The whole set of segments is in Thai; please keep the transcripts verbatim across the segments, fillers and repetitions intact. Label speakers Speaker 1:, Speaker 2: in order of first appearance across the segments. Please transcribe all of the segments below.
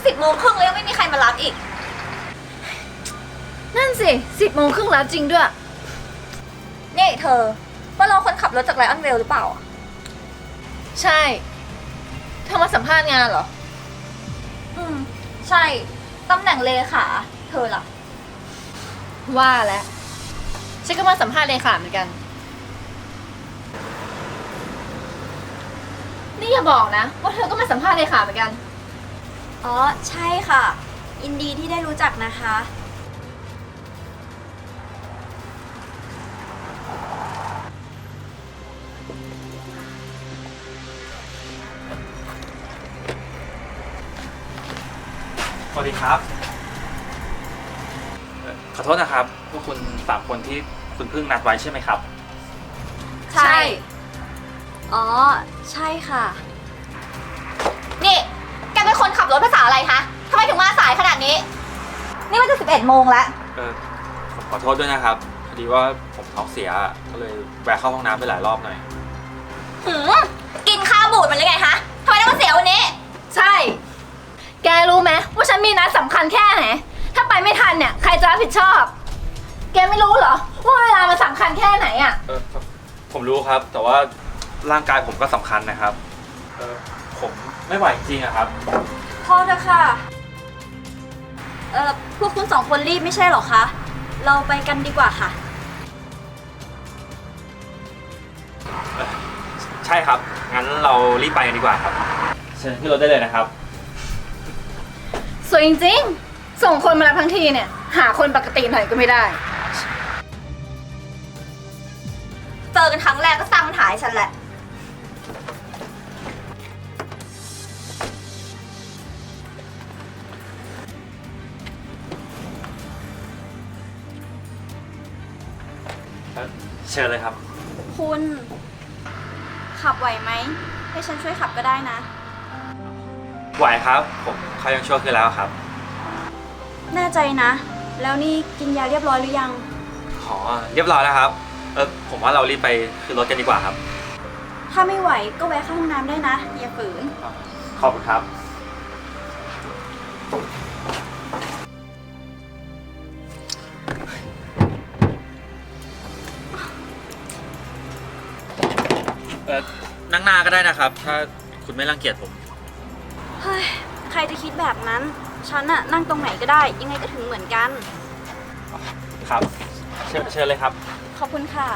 Speaker 1: สิบโมงครึ่งแล้วยังไม่มีใครมารับอีก
Speaker 2: นั่นสิสิบโมงครึ่งแล้วจริงด้วย
Speaker 1: นี่เธอว่าเราคนขับรถจากไลออนเวลหรือเปล่า
Speaker 2: ใช่เธอมาสัมภาษณ์งานเหรอ
Speaker 1: อืมใช่ตำแหน่งเลขาเธอล่ะ
Speaker 2: ว่าแล้วฉันก็มาสัมภาษณ์เลขาเหมือนกันนี่อย่าบอกนะว่าเธอก็มาสัมภาษณ์เลขาเหมือนกัน
Speaker 1: อ๋อใช่ค่ะยินดีที่ได้รู้จักนะคะ
Speaker 3: สวัสดีครับขอโทษนะครับพวกคุณสามคนที่คุณเพิ่งนัดไว้ใช่ไหมครับ
Speaker 2: ใช่
Speaker 1: อ๋อใช่ค่ะนี่แกเป็นคนขับรถภาษาอะไรคะทำไมถึงมาสายขนาดนี้นี่มันจะสิบเอ็ดโมงแล้ว
Speaker 3: เออผมขอโทษด้วยนะครับพอดีว่าผมท้องเสียก็เลยแวะเข้าห้องน้ำไปหลายรอบหน่อย
Speaker 1: หืมกินข้าวบูดมันเลยไงคะทำไมต้องมาเสียวันนี้
Speaker 2: ใช่แกรู้ไหมว่าฉันมีนัดสำคัญแค่ไหนถ้าไปไม่ทันเนี่ยใครจะรับผิดชอบแกไม่รู้เหรอว่าเวลามันสำคัญแค่ไหนอ่ะ
Speaker 3: เออผมรู้ครับแต่ว่าร่างกายผมก็สำคัญนะครับเออผมไม่ไหวจริงอะครับ
Speaker 1: พอเถอะค่ะเออพวกคุณสองคนรีบไม่ใช่หรอคะเราไปกันดีกว่าค่ะ
Speaker 3: ใช่ครับงั้นเรารีบไปกันดีกว่าครับเชิญขึ้นรถได้เลยนะครับ
Speaker 2: สวยจริงๆส่งคนมารับทั้งทีเนี่ยหาคนปกติหน่อยก็ไม่ได้
Speaker 1: เจอกันครั้งแรกก็สร้างปัญหาให้ฉันแหละ
Speaker 3: เชิญเลยครับ
Speaker 1: คุณขับไหวไหมให้ฉันช่วยขับก็ได้นะ
Speaker 3: ไหวครับผมเขายังช่วยขึ้นแล้วครับ
Speaker 1: แน่ใจนะแล้วนี่กินยาเรียบร้อยหรือยัง
Speaker 3: อ๋อเรียบร้อยแล้วครับเออผมว่าเรารีบไปขึ้นรถกันดีกว่าครับ
Speaker 1: ถ้าไม่ไหวก็แวะเข้าห้องน้ำได้นะอย่าฝืน
Speaker 3: ขอบคุณครับเออนั่งหน้าก็ได้นะครับถ้าคุณไม่รังเกียจผม
Speaker 1: เฮ้ยใครจะคิดแบบนั้นฉันน่ะนั่งตรงไหนก็ได้ยังไงก็ถึงเหมือนกัน
Speaker 3: ครับเชิญเชิญเลยครับ
Speaker 1: ขอบคุณค่ะ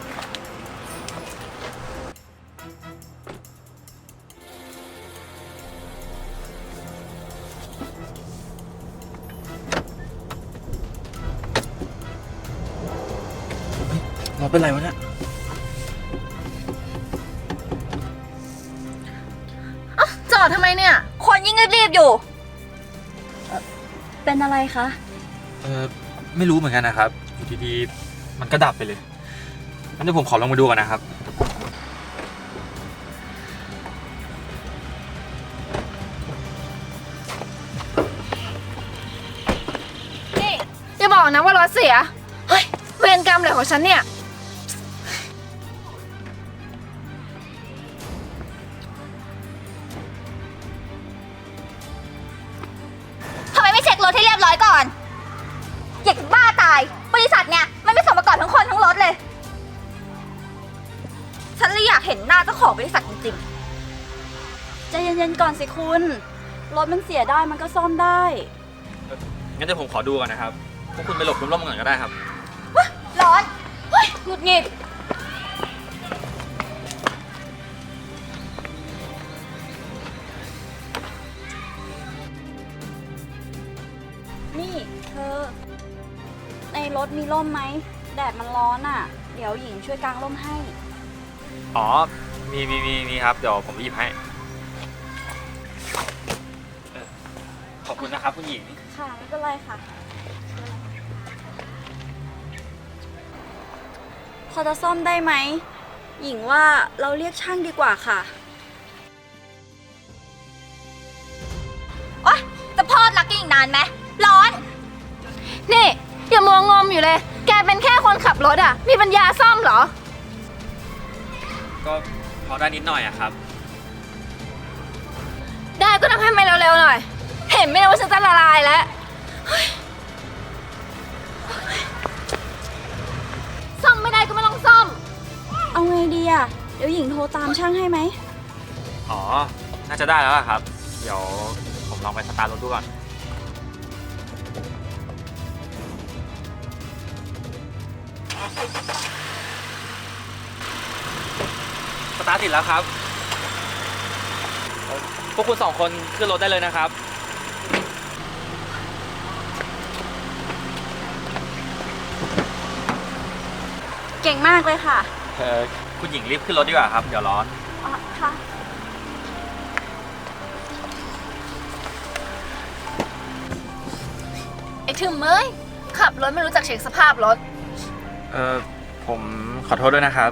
Speaker 3: เราเป็นไรวะเนี่ย
Speaker 2: จอดทำไมเนี่ย
Speaker 1: คนยิ่งรีบๆอยู่เป็นอะไรคะ
Speaker 3: เออไม่รู้เหมือนกันนะครับอยู่ดีๆมันก็ดับไปเลยงั้นเดี๋ยวผมขอลงมาดูก่อนนะครับ
Speaker 2: นี่อย่าบอกนะว่ารถเสียเฮ้ยเวรกรรมอะไรของฉันเนี่ย
Speaker 1: รถให้เรียบร้อยก่อนอยากบ้าตายบริษัทเนี่ยมันไม่สมประกอบทั้งคนทั้งรถเลยฉันเลยอยากเห็นหน้าเจ้าของบริษัทจริงๆใจเย็นๆก่อนสิคุณรถมันเสียได้มันก็ซ่อมได้
Speaker 3: งั้นเดี๋ยวผมขอดูก่อนนะครับพวกคุณไปหลบร่มๆก่อนก็ได้ครับ
Speaker 1: ร้อนเฮ้ยหงุดหงิดนี่เธอในรถมีร่มไหมแดดมันร้อนอ่ะเดี๋ยวหญิงช่วยกางร่มให้
Speaker 3: อ๋อมีมีมีมีครับเดี๋ยวผมหยิบให้ขอบคุณนะครับคุณหญิง
Speaker 1: ค่ะไม่เป็นไรค่ะพอจะซ่อมได้ไหมหญิงว่าเราเรียกช่างดีกว่าค่ะโอ๊ยจะพอดรักกันอีกนานไหมร้อน
Speaker 2: นี่อย่ามัวงมอยู่เลยแกเป็นแค่คนขับรถอ่ะมีปัญญาซ่อมเหรอ
Speaker 3: ก็พอได้นิดหน่อยอะครับ
Speaker 2: ได้ก็ทำให้มันเร็วๆหน่อยเห็นห็นไหมเนี่ยว่าฉันจะละลายแล้วเฮ้ยซ่อมไม่ได้ก็ไม่ต้องซ่อม
Speaker 1: เอาไงดีอ่ะ เดี๋ยวหญิงโทรตามช่างให้ไหม
Speaker 3: อ๋อ น่าจะได้แล้วล่ะครับ เดี๋ยวผมลองไปสตาร์ทรถดูก่อน สตาร์ทติดแล้วครับเอ่อพวกคุณสองคนขึ้นรถได้เลยนะครับ
Speaker 1: เก่งมากเลยค่ะ
Speaker 3: เออคุณหญิงรีบขึ้นรถดีกว่าครับ เดี๋ยวร้อน
Speaker 1: อ๋อ ค่ะ
Speaker 2: ไอ้ถึมเอ้ยขับรถไม่รู้จักเช็คสภาพรถ
Speaker 3: เออผมขอโทษด้วยนะครับ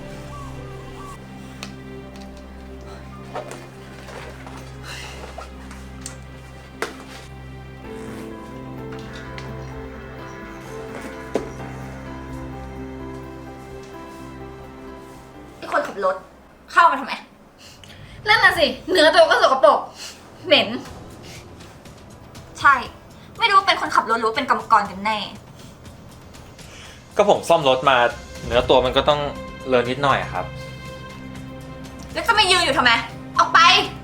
Speaker 1: ไอ้คนขับรถ เข้ามาทำไม
Speaker 2: นั่นน่ะสิ เนื้อตัวก็สกปรกเหม็น
Speaker 1: ใช่ ไม่รู้เป็นคนขับรถหรือว่าเป็นกรรมกรกันแน่
Speaker 3: ก็ผมซ่อมรถมา เนื้อตัวมันก็ต้องเลอะนิดหน่อยอะครับ
Speaker 1: แล้วจะมายืนอยู่ทำไม ออกไป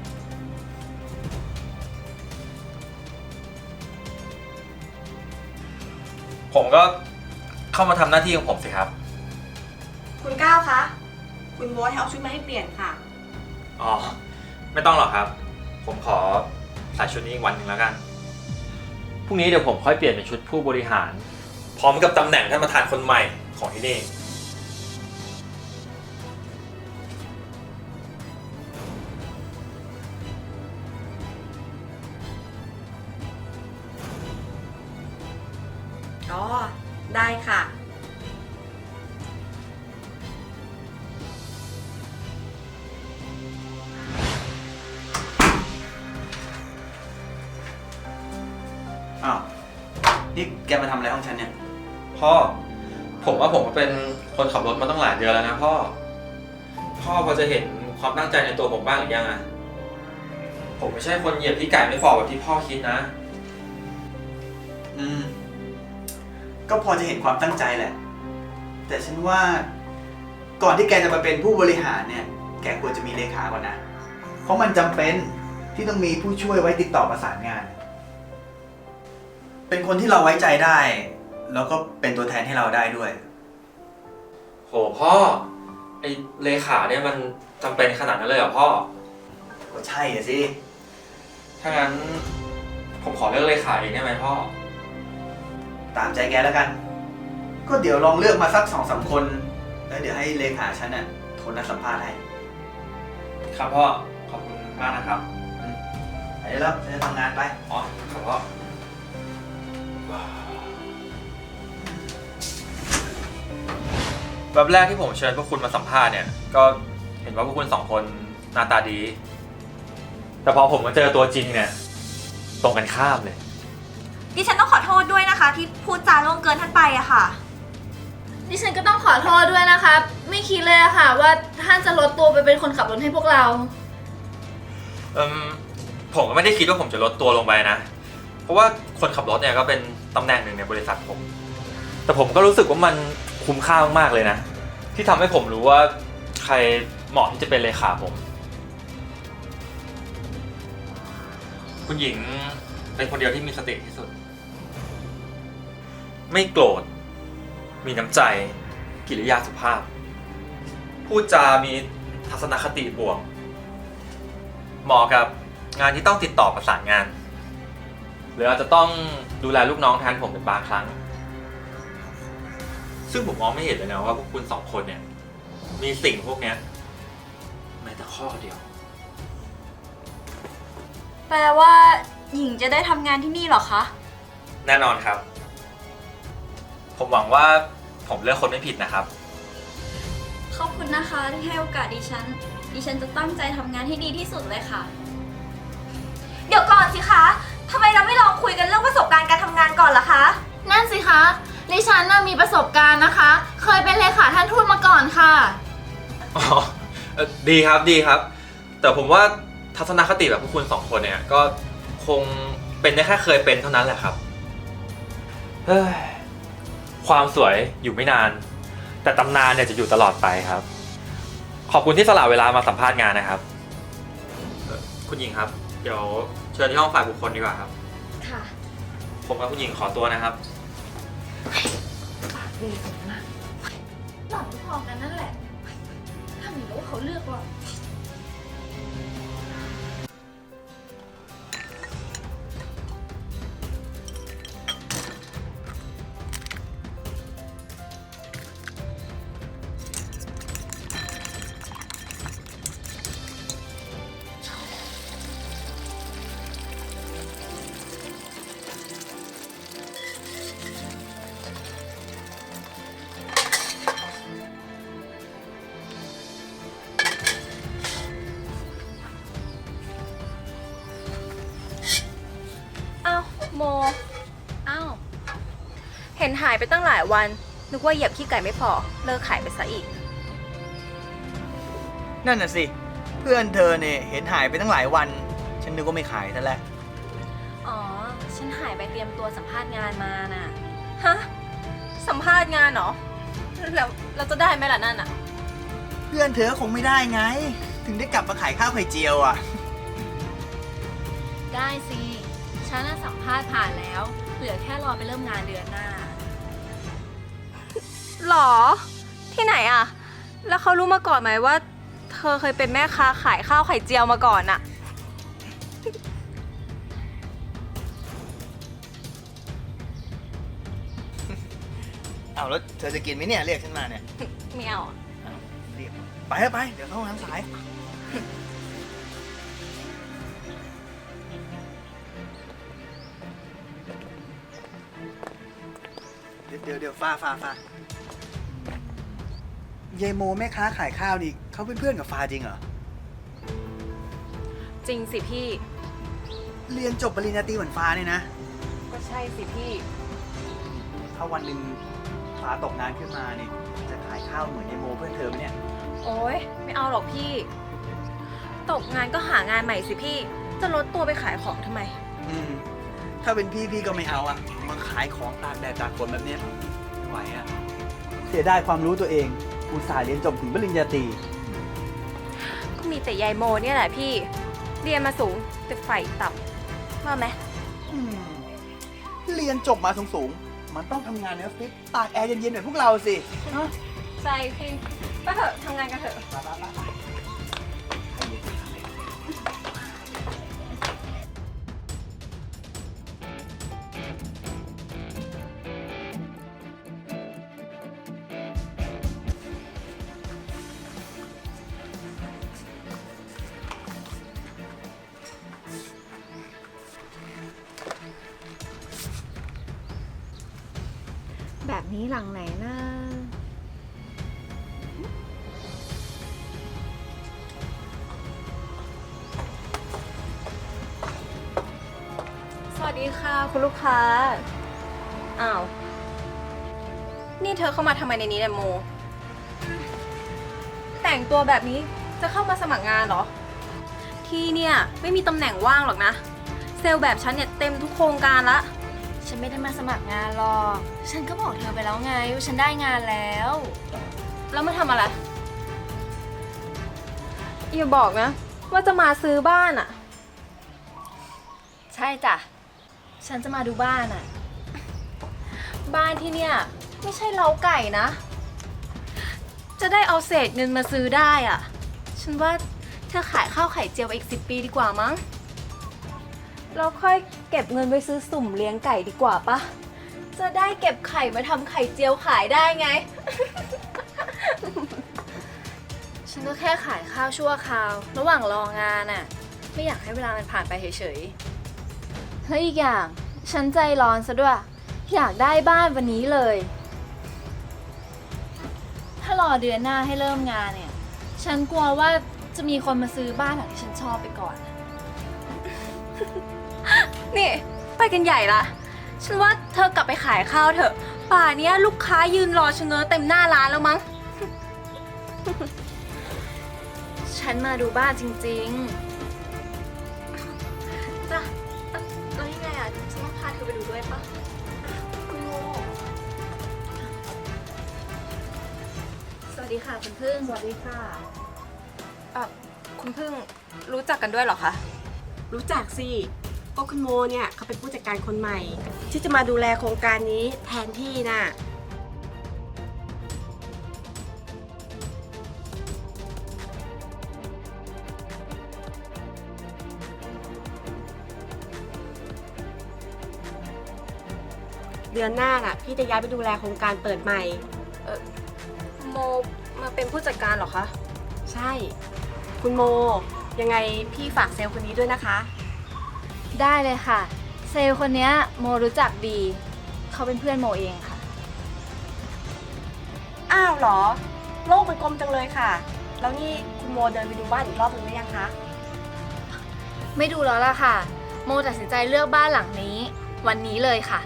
Speaker 3: ผมก็เข้ามาทำหน้าที่ของผมสิครับ
Speaker 4: คุณก้าวคะ คุณโบ๊ทให้เอาชุดมาให้เปลี่ยนค่ะ
Speaker 3: อ๋อ ไม่ต้องหรอกครับ ผมขอใส่ชุดนี้อีกวันหนึ่งแล้วกัน พรุ่งนี้เดี๋ยวผมค่อยเปลี่ยนเป็นชุดผู้บริหาร พร้อมกับตำแหน่งท่านประธานคนใหม่ของที่นี่
Speaker 4: อ๋อ ได้ค่ะ
Speaker 5: อ้าว นี่แกมาทำอะไรห้องฉันเนี่ย
Speaker 3: พ่อ ผมว่าผมก็เป็นคนขับรถมาตั้งหลายเดือนแล้วนะพ่อ พ่อพอจะเห็นความตั้งใจในตัวผมบ้างหรือยังอะผมไม่ใช่คนเหยียบที่ไก่ไม่ฟอแบบที่พ่อคิดนะ
Speaker 5: อืม ก็พอจะเห็นความตั้งใจแหละ แต่ฉันว่าก่อนที่แกจะมาเป็นผู้บริหารเนี่ย แกควรจะมีเลขาก่อนนะ เพราะมันจำเป็นที่ต้องมีผู้ช่วยไว้ติดต่อประสานงาน เป็นคนที่เราไว้ใจได้ แล้วก็เป็นตัวแทนให้เราได้ด้วย
Speaker 3: โหพ่อ ไอเลขาเนี่ยมันจำเป็นขนาดนั้นเลยเหรอพ่อ
Speaker 5: ก็ใช่อะสิ
Speaker 3: ถ้างั้นผมขอเลือกเลขาเองได้ไหมพ่อ
Speaker 5: ตามใจแกแล้วกัน ก็เดี๋ยวลองเลือกมาสักสองสามคน แล้วเดี๋ยวให้เลขาฉันน่ะโทรนัดสัมภาษณ์ให้
Speaker 3: ครับพ่อ ขอบคุณมากนะครับ
Speaker 5: ไปได้แล้วฉันจะทำงานไป
Speaker 3: อ๋อครับพ่อแบบแรกที่ผมเชิญพวกคุณมาสัมภาษณ์เนี่ย ก็เห็นว่าพวกคุณสองคนหน้าตาดี แต่พอผมมาเจอตัวจริงเนี่ย ตรงกันข้ามเลย
Speaker 1: ดิฉันต้องขอโทษด้วยนะคะ ที่พูดจาล่วงเกินท่านไปอะค่ะ
Speaker 2: ดิฉันก็ต้องขอโทษด้วยนะครับ ไม่คิดเลยอะค่ะ ว่าท่านจะลดตัวไปเป็นคนขับรถให้พวกเรา
Speaker 3: เอืมผมก็ไม่ได้คิดว่าผมจะลดตัวลงไปนะ เพราะว่าคนขับรถเนี่ยก็เป็นตำแหน่งหนึ่งในบริษัทผม แต่ผมก็รู้สึกว่ามันคุ้มค่ามากๆเลยนะ ที่ทำให้ผมรู้ว่าใครเหมาะที่จะเป็นเลขาผม คุณหญิงเป็นคนเดียวที่มีสติที่สุด ไม่โกรธ มีน้ำใจ กิริยาสุภาพ พูดจามีทัศนคติบวก เหมาะกับงานที่ต้องติดต่อประสานงาน หรืออาจจะต้องดูแลลูกน้องแทนผมเป็นบางครั้ง ซึ่งผมมองไม่เห็นเลยนะว่าพวกคุณสองคนเนี่ย มีสิ่งพวกเนี้ยแม้แต่ข้อเดียว
Speaker 1: แปลว่าหญิงจะได้ทำงานที่นี่เหรอคะ
Speaker 3: แน่นอนครับ ผมหวังว่าผมเลือกคนไม่ผิดนะครับ
Speaker 1: ขอบคุณนะคะที่ให้โอกาสดิฉัน ดิฉันจะตั้งใจทำงานให้ดีที่สุดเลยค่ะ เดี๋ยวก่อนสิคะทำไมเราไม่ลองคุยกันเรื่องประสบการณ์การทำงานก่อนล่ะคะ
Speaker 2: นั่นสิคะ ดิฉันน่ะมีประสบการณ์นะคะ เคยเป็นเลขาท่านทูตมาก่อนค่ะ
Speaker 3: อ๋อเอ่อดีครับดีครับ แต่ผมว่าทัศนคติแบบพวกคุณสองคนเนี่ยก็คงไปเป็นได้แค่เคยเป็นเท่านั้นแหละครับ เฮ้ย ความสวยอยู่ไม่นาน แต่ตำนานเนี่ยจะอยู่ตลอดไปครับ ขอบคุณที่สละเวลามาสัมภาษณ์งานนะครับเอ่อคุณหญิงครับ เดี๋ยวเชิญที่ห้องฝ่ายบุคคลดีกว่าครับ
Speaker 2: ค่ะ
Speaker 3: ผมกับคุณหญิงขอตัวนะครับ
Speaker 2: หล่อนพอกันนั่นแหละถ้ามีรู้ว่าเขาเลือกเรา
Speaker 6: อ้าวโม
Speaker 2: อ้าว
Speaker 6: เห็นหายไปตั้งหลายวัน นึกว่าเหยียบขี้ไก่ไม่พอ เลิกขายไปซะอีก
Speaker 5: นั่นน่ะสิ เพื่อนเธอเนี่ยเห็นหายไปตั้งหลายวัน ฉันนึกว่าไม่ขายซะแล้ว
Speaker 6: อ๋อ ฉันหายไปเตรียมตัวสัมภาษณ์งานมาน่ะ ฮะ สัมภาษณ์งานเหรอ แล้วเราจะได้ไหมล่ะนั่นอ่ะ
Speaker 5: เพื่อนเธอคงไม่ได้ไง ถึงได้กลับมาขายข้าวไข่เจียวอ่ะ
Speaker 2: ได้สิ ฉันน่ะสัมภาษณ์ผ่านแล้ว เหลือแค่รอไปเริ่มงานเดือนหน้า
Speaker 6: หรอ ที่ไหนอ่ะ แล้วเขารู้มาก่อนไหมว่า เธอเคยเป็นแม่ค้าขายข้าวไข่เจียวมาก่อนอ่ะ
Speaker 5: เอาแล้วเธอจะกินไหมเนี่ย เรียกฉันมาเนี่ย
Speaker 6: ไม่เอาอะ
Speaker 5: เรียกไปเถอะไป เดี๋ยวเข้าห้องน้ำสาย เดี๋ยวเดี๋ยวเดี๋ยวฟ้าฟ้าฟ้ายายโมแม่ค้าขายข้าวนี่เขาเป็นเพื่อนกับฟ้าจริงเหรอ
Speaker 6: จริงสิพี่
Speaker 5: เรียนจบปริญญาตรีเหมือนฟ้าเนี่ยนะ
Speaker 6: ก็ใช่สิพี่
Speaker 5: ถ้าวันหนึ่งฟ้าตกงานขึ้นมานี่จะขายข้าวเหมือนยายโมเพื่อนเธอไหมเนี่ย
Speaker 6: โอ๊ย ไม่เอาหรอกพี่ ตกงานก็หางานใหม่สิพี่ จะลดตัวไปขายของทำไม
Speaker 5: อืม ถ้าเป็นพี่พี่ก็ไม่เอาอะมาขายของตากแดดตากฝนแบบเนี้ยไม่ไหวอะเสียดายความรู้ตัวเอง อุตส่าห์เรียนจบถึงปริญญาตรี
Speaker 6: ก็มีแต่ยายโมเนี่ยแหละพี่ เรียนมาสูงแต่ไฟต่ำว่าไหม
Speaker 5: อืมเรียนจบมาสูงๆ มันต้องทำงานในออฟฟิศตากแอร์เย็นๆแบบพวกเราสิฮะ
Speaker 6: ใช่พี่ไปเถอะทำงานกันเถอะ
Speaker 2: แบบนี้หลังไหนนะ
Speaker 6: สวัสดีค่ะคุณลูกค้า อ้าว นี่เธอเข้ามาทำไมในนี้เนี่ยโม แต่งตัวแบบนี้จะเข้ามาสมัครงานเหรอ ที่เนี่ยไม่มีตำแหน่งว่างหรอกนะ เซลล์แบบฉันเนี่ยเต็มทุกโครงการละ
Speaker 2: ฉันไม่ได้มาสมัครงานหรอก ฉันก็บอกเธอไปแล้วไงว่าฉันได้งานแล้ว
Speaker 6: แล้วมาทำอะไร อย่าบอกนะ ว่าจะมาซื้อบ้านอะ
Speaker 2: ใช่จ้ะ ฉันจะมาดูบ้านอ่ะ
Speaker 6: บ้านที่เนี่ยไม่ใช่เล้าไก่นะ จะได้เอาเศษเงินมาซื้อได้อะฉันว่าเธอขายข้าวไข่เจียวไปอีกสิบปีดีกว่ามั้ง เราค่อยเก็บเงินไปซื้อสุ่มเลี้ยงไก่ดีกว่าปะ จะได้เก็บไข่มาทำไข่เจียวขายได้ไง
Speaker 2: ฉันก็แค่ขายข้าวชั่วคราว ระหว่างรองานอ่ะ ไม่อยากให้เวลามันผ่านไปเฉยๆแล้วอีกอย่าง ฉันใจร้อนซะด้วย อยากได้บ้านวันนี้เลย ถ้ารอเดือนหน้าให้เริ่มงานเนี่ย ฉันกลัวว่าจะมีคนมาซื้อบ้านหลังที่ฉันชอบไปก่อน
Speaker 6: นี่ไปกันใหญ่ละ ฉันว่าเธอกลับไปขายข้าวเถอะ ป่าเนี้ยลูกค้ายืนรอชะเง้อเต็มหน้าร้านแล้วมั้ง
Speaker 2: ฉันมาดูบ้านจริง
Speaker 6: จ้ะแล้วยังไงอะ
Speaker 1: ด้วยปะ
Speaker 6: คุณโม
Speaker 2: สวัสดีค่ะคุณพึ่ง
Speaker 6: สวัสดีค่ะ
Speaker 4: เอ่อคุณพึ่งรู้จักกันด้วยเหรอคะ
Speaker 7: รู้จักสิก็คุณโมเนี่ยเขาเป็นผู้จัดการคนใหม่ ที่จะมาดูแลโครงการนี้แทนที่น่ะ เดือนหน้าน่ะ พี่จะย้ายไปดูแลโครงการเปิดใหม่
Speaker 6: โมมาเป็นผู้จัดการเหรอคะ
Speaker 7: ใช่ คุณโม ยังไงพี่ฝากเซลล์คนนี้ด้วยนะคะ
Speaker 2: ได้เลยค่ะ เซลล์คนเนี้ยโมรู้จักดี เขาเป็นเพื่อนโมเองค่ะ
Speaker 7: อ้าวเหรอ โลกมันกลมจังเลยค่ะ แล้วนี่คุณโมเดินไปดูบ้านอีกรอบหนึ่งหรือยังคะ
Speaker 2: ไม่ดูแล้วล่ะค่ะ โมตัดสินใจเลือกบ้านหลังนี้ วันนี้เลยค่ะ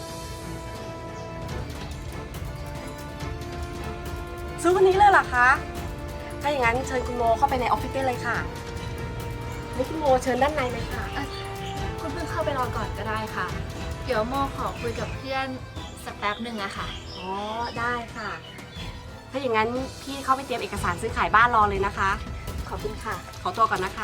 Speaker 7: ซื้อวันนี้เลยเหรอคะ ถ้าอย่างนั้นเชิญคุณโมเข้าไปในออฟฟิศได้เลยค่ะนี่คุณโมเชิญด้านในเลยค่ะ
Speaker 2: คุณพึ่งเข้าไปรอก่อนก็ได้ค่ะ เดี๋ยวโมขอคุยกับเพื่อนสักแป๊บหนึ่งอะค่ะ
Speaker 7: อ๋อ ได้ค่ะ ถ้าอย่างนั้นพี่เข้าไปเตรียมเอกสารซื้อขายบ้านรอเลยนะคะ
Speaker 2: ขอบคุณค่ะ
Speaker 7: ขอตัวก่อนนะคะ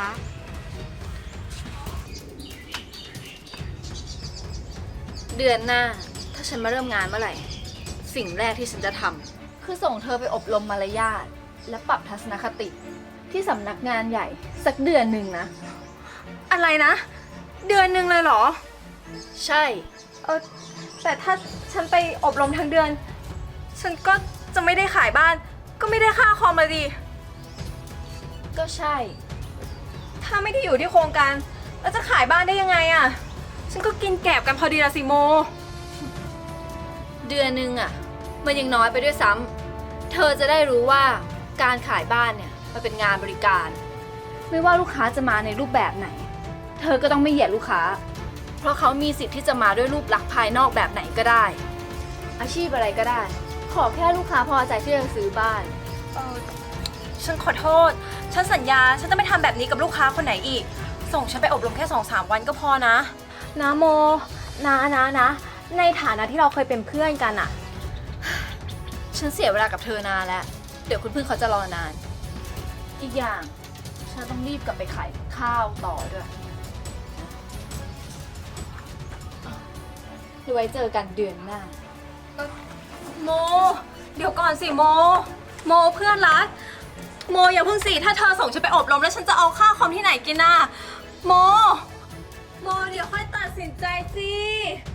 Speaker 2: เดือนหน้า ถ้าฉันมาเริ่มงานเมื่อไหร่ สิ่งแรกที่ฉันจะทำคือส่งเธอไปอบรมมารยาทและปรับทัศนคติ ที่สำนักงานใหญ่สักเดือนหนึ่งนะ
Speaker 6: อะไรนะ เดือนหนึ่งเลยเหรอ
Speaker 2: ใช่
Speaker 6: เออแต่ถ้าฉันไปอบรมทั้งเดือน ฉันก็จะไม่ได้ขายบ้าน ก็ไม่ได้ค่าคอมมาดี
Speaker 2: ก็ใช่
Speaker 6: ถ้าไม่ได้อยู่ที่โครงการ แล้วจะขายบ้านได้ยังไงอะฉันก็กินแกบกันพอดีละสิโม
Speaker 2: เดือนหนึ่งอะมันยังน้อยไปด้วยซ้ำเธอจะได้รู้ว่าการขายบ้านเนี่ยมันเป็นงานบริการ ไม่ว่าลูกค้าจะมาในรูปแบบไหน เธอก็ต้องไม่เหยียดลูกค้า เพราะเขามีสิทธิ์ที่จะมาด้วยรูปลักษณ์ภายนอกแบบไหนก็ได้ อาชีพอะไรก็ได้ ขอแค่ลูกค้าพอใจที่จะซื้อบ้าน
Speaker 6: เออฉันขอโทษ ฉันสัญญา ฉันจะไม่ทำแบบนี้กับลูกค้าคนไหนอีก ส่งฉันไปอบรมแค่สองสามวันก็พอนะ นะโม นะนะนะ ในฐานะที่เราเคยเป็นเพื่อนกันอะ
Speaker 2: ฉันเสียเวลากับเธอนานแล้ว เดี๋ยวคุณพึ่งเขาจะรอนาน อีกอย่าง ฉันต้องรีบกลับไปขายข้าวต่อด้วยเดี๋ยวไว้เจอกันเดือนหน้า
Speaker 6: โม เดี๋ยวก่อนสิโม โมเพื่อนรัก โมอย่าเพิ่งสิ ถ้าเธอส่งฉันไปอบรมแล้วฉันจะเอาค่าคอมที่ไหนกินน่ะ โม โมเดี๋ยวค่อยตัดสินใจสิ